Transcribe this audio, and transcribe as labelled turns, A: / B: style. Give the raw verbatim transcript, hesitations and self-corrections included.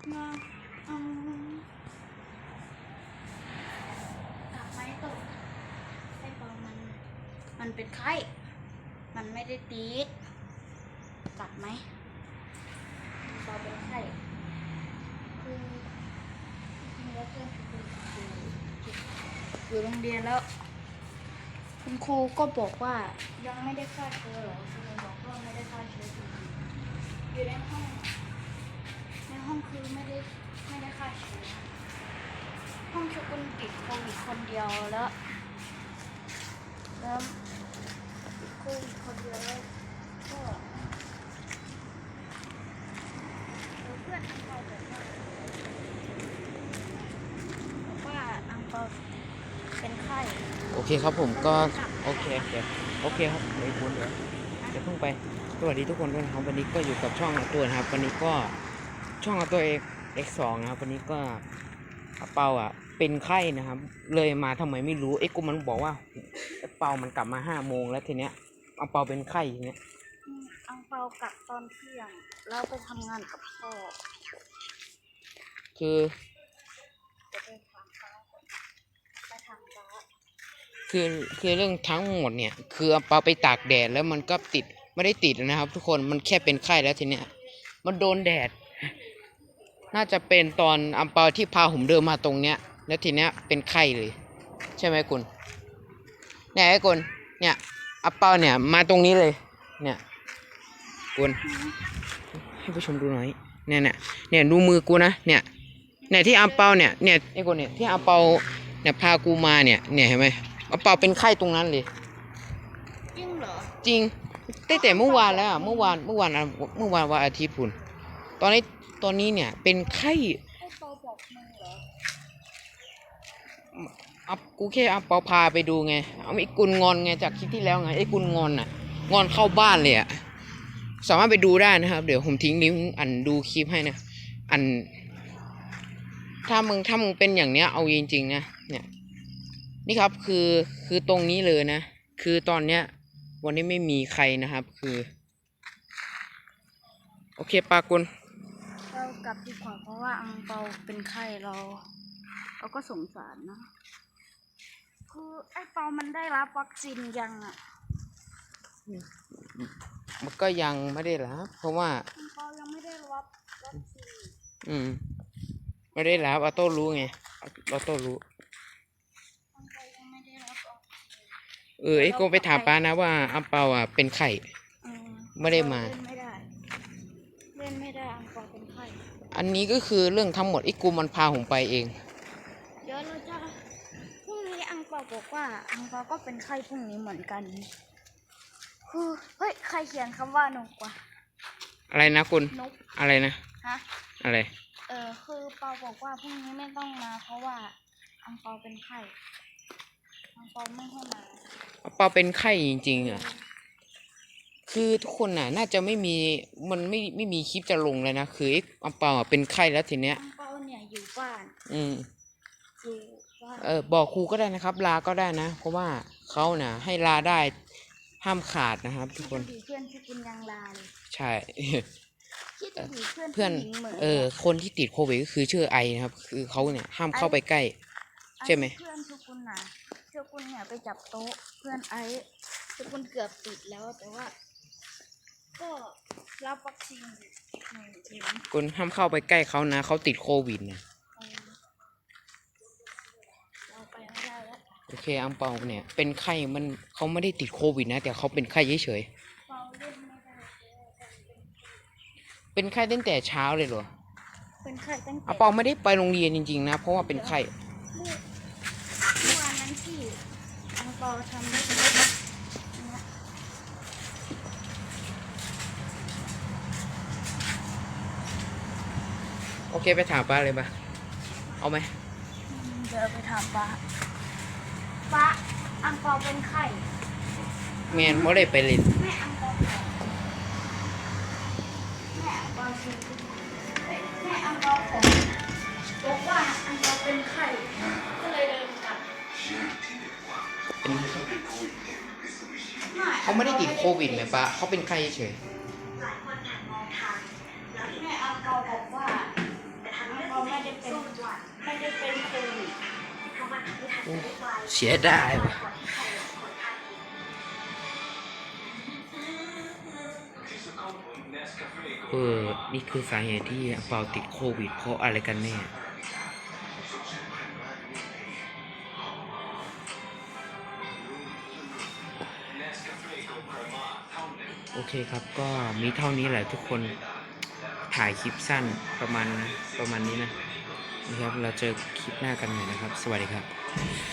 A: มาเอากลับไม้ตกไอ้ปอมันมันเป็นไข้มันไม่ได้ตีดกลับไหมปอเป็นไข้คือจริงๆแล้วเพื่อนคืออยู่โรงเรียนแล้วคุณครูก็บอกว่ายังไม่ได้ฆ่าเชื้อหรอคุณครูบอกว่าไม่ได้ฆ่าเชื้อจริงๆอยู่ในห้องในห้องคือไม่ได้ไม่ได้ฆ่าเชื้อห้องชุกุลติดโควิดคนเดียวแล้วแล้วติดโควิดคนเดียวแล้วก็แล้วเพื่อนอังเปาบอกว่าบอกว่าอังเปาเป็นไข้
B: โอเคครับผมก็โอเคโอเคโอเคครับไม่คุ้นเดี๋ยวจะเพิ่งไปสวัสดีทุกคนด้วยนะครับวันนี้ก็อยู่กับช่องอาตัวนะครับวันนี้ก็ช่องอาตัวเอกเอ็กสองนะครับวันนี้ก็อาเปาอ่ะเป็นไข้นะครับเลยมาทำไมไม่รู้เอ็กกูมันบอกว่าอาเปามันกลับมาห้าโมงแล้วทีเนี้ยอาเปาเป็นไข้ทีเนี้ย
A: อังเปากลับตอนเที่ยงแล้วไปทำงานกับพ่อ
B: คือ
A: จะไปทำฟ้าไปทำฟ้า
B: คือคือเรื่องทั้งหมดเนี่ยคืออาเปาไปตากแดดแล้วมันก็ติดไม่ได้ติดนะครับทุกคนมันแค่เป็นไข้แล้วทีเนี้ยมันโดนแดดน่าจะเป็นตอนอัมเปาที่พาผมเดินมาตรงเนี้ยแล้วทีเนี้ยเป็นไข้เลยใช่ไหมกุลเนี่ยไอ้กุลเนี่ยอัมเปาเนี่ยมาตรงนี้เลยเนี่ยกุลให้ผู้ชมดูหน่อยเนี่ยเนี่ยเนี่ยดูมือกูนะเนี่ยเนี่ยที่อัมเปาเนี่ยเนี่ยไอ้กุลเนี่ยที่อัมเปาเนี่ยพากูมาเนี่ยเนี่ยเห็นไหมอัมเปาเป็นไข้ตรงนั้นเลย
A: จริงเหรอ
B: จริงตั้งแต่เมื่อวานแล้วเมื่อวานเมื่อวานเมื่อวานวันอาทิตย์พุ่นตอนนี้ตอนนี้เนี่ยเป็นไข้
A: ไอ้เปาบอกมึงเหรอ
B: อับกูแค่อับเปาพาไปดูไงเอาไอ้กุลงอนไงจากคลิปที่แล้วไงไอ้กุลงอนอ่ะงอนเข้าบ้านเลยอ่ะสามารถไปดูได้นะครับเดี๋ยวผมทิ้งลิงก์อันดูคลิปให้นะอันถ้ามึงถ้ามึงเป็นอย่างเนี้ยเอาจริงๆนะเนี่ยนี่ครับคือคือตรงนี้เลยนะคือตอนเนี้ยวันนี้ไม่มีใครนะครับคือโอเคปากุล
A: เรากลับดีกว่าเพราะว่าอังเปาเป็นไข้เราเราก็สงสารนะคือไอ้เปามันได้รับวัคซีนยังอ่ะ
B: มันก็ยังไม่ได้รับเพราะว่า
A: อังเปายังไม่ได้รับวัคซีน
B: อืมไม่ได้รับออโต้รู้ไงออโต้รู้
A: อังเปายังไม่ได้รับวัคซีน
B: เออไอ้โกไปถามป้านะว่าอัมเปาอ่ะเป็นไข่ไม่ได้มา
A: เล่นไม่ได้เล่นไม่ได้อังเปาเป็นไข้
B: อันนี้ก็คือเรื่องทั้งหมดไอ้กูมันพาผมไปเอง
A: เดี๋ยวเราจะพรุ่งนี้อังเปาบอกว่าอังเปาก็เป็นไข้พรุ่งนี้เหมือนกันคือเฮ้ยใครเขียนคำว่านกวะ
B: อะไรนะคุณ
A: นก
B: อะไรนะ
A: ฮะ
B: อะไร
A: เออคือเปาบอกว่าพรุ่งนี้ไม่ต้องมาเพราะว่าอังเปาเป็นไข้อังเปาไม่ให้มา
B: อังเปาเป็นไข้จริงๆอ่ะคือทุกคนน่ะน่าจะไม่มีมันไม่ไม่มีคลิปจะลงเลยนะคือไอ้อังเปาอ่ะเป็นไข้แล้วทีเนี้ย
A: อังเปาเนี่ยอยู่บ้าน
B: อืม
A: อยู่บ้าน
B: เออบอกครูก็ได้นะครับลาก็ได้นะเพราะว่าเขาน่ะให้ลาได้ห้ามขาดนะครับทุกคน
A: เพื่อนที่คุณยังลาเลย
B: ใช่
A: เพื่อน
B: เออคนที่ติดโควิดก็คือชื่อไอนะครับคือเขาเนี่ยห้ามเข้าไปใกล้ใช่ไหม
A: เพื่อนทุกคนนะทุกคนเนี่ยไปจับโต๊ะเพื่อนไอทุกคนเกือบติดแล้วแต่ว่าก็รับวัคซีนหนึ่งเข็ม
B: คุณห้ามเข้าไปใกล้เขานะเขาติดโควิดนะโอเคอังเปาเนี่ยเป็นไข้มันเขาไม่ได้ติดโควิดนะแต่เขาเป็นไข้เฉยๆเป็นไข้ตั้งแต่เช้าเลยเหรอ
A: เป็นไข้ตั้งแต่
B: อังเปาไม่ได้ไปโรงเรียนจริงๆนะเพราะว่าเป็นไข้
A: เมื่อวานนั้นที่อังเปาทำ
B: โอเคไปถามป้าเลยป่ะเอาไหม
A: เดี๋ยวไปถามป้าป้าอังเปาเป็นไข้
B: แมนไม่ได้ไปเรียน
A: แม่อังเปาแม่อังเปาคือแม่อังเปาของบอกว่าอังเปาเป็นไข้ก็เลยเดินกลับ
B: เขาไม่ได้ติดโควิดเลยป้าเขาเป็นไข้เฉย
A: แม่อังเปาบอกว่าไปท
B: โอ้เสียดายว่ะเออนี่คือสาเหตุที่เปาติดโควิดเพราะอะไรกันแน่ โอเคครับ ก็มีเท่านี้แหละทุกคนถ่ายคลิปสั้นประมาณประมาณนี้นะนะครับเราเจอคลิปหน้ากันใหม่นะครับ สวัสดีครับ